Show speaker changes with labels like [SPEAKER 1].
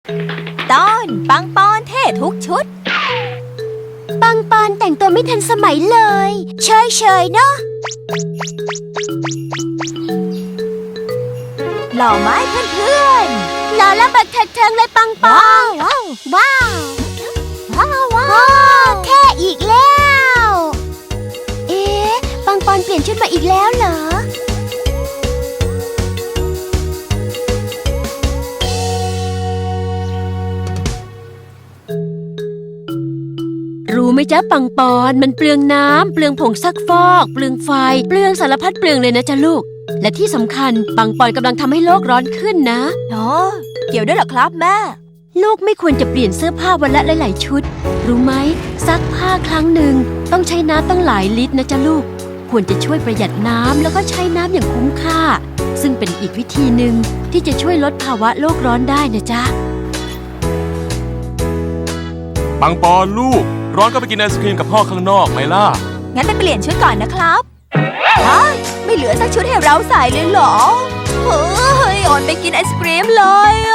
[SPEAKER 1] ตอนปังปอนเท่ทุกชุด
[SPEAKER 2] ปังปอนแต่งตัวไม่ทันสมัยเลยเฉยๆเนาะ
[SPEAKER 1] หล่อไหมเพื่อน
[SPEAKER 2] ๆหล่อและบักเทิงเลยปังปอนว้าวว้าวเท่อีกแล้วเอ๊ะปังปอนเปลี่ยนชุดมาอีกแล้วเหรอ
[SPEAKER 3] รู้ไหมจ๊ะปังปอนมันเปลืองน้ำเปลืองผงซักฟอกเปลืองไฟเปลืองสารพัดเปลืองเลยนะจ๊ะลูกและที่สำคัญปังปอนกำลังทำให้โลกร้อนขึ้นนะ
[SPEAKER 1] อ๋อเกี่ยวด้วยเหรอครับแม่
[SPEAKER 3] ลูกไม่ควรจะเปลี่ยนเสื้อผ้าวันละหลายๆชุดรู้ไหมซักผ้าครั้งหนึ่งต้องใช้น้ำต้องหลายลิตรนะจ๊ะลูกควรจะช่วยประหยัดน้ำแล้วก็ใช้น้ำอย่างคุ้มค่าซึ่งเป็นอีกวิธีหนึ่งที่จะช่วยลดภาวะโลกร้อนได้นะจ๊ะ
[SPEAKER 4] ปังปอนลูกร้อนก็ไปกินไอศครีมกับพ่อข้างนอกไหมล่ะ
[SPEAKER 1] งั้นไปเปลี่ยนชุดก่อนนะครับไม่เหลือสักชุดให้เราใส่เลยเหรอเฮ้ยออนไปกินไอศกรีมเลย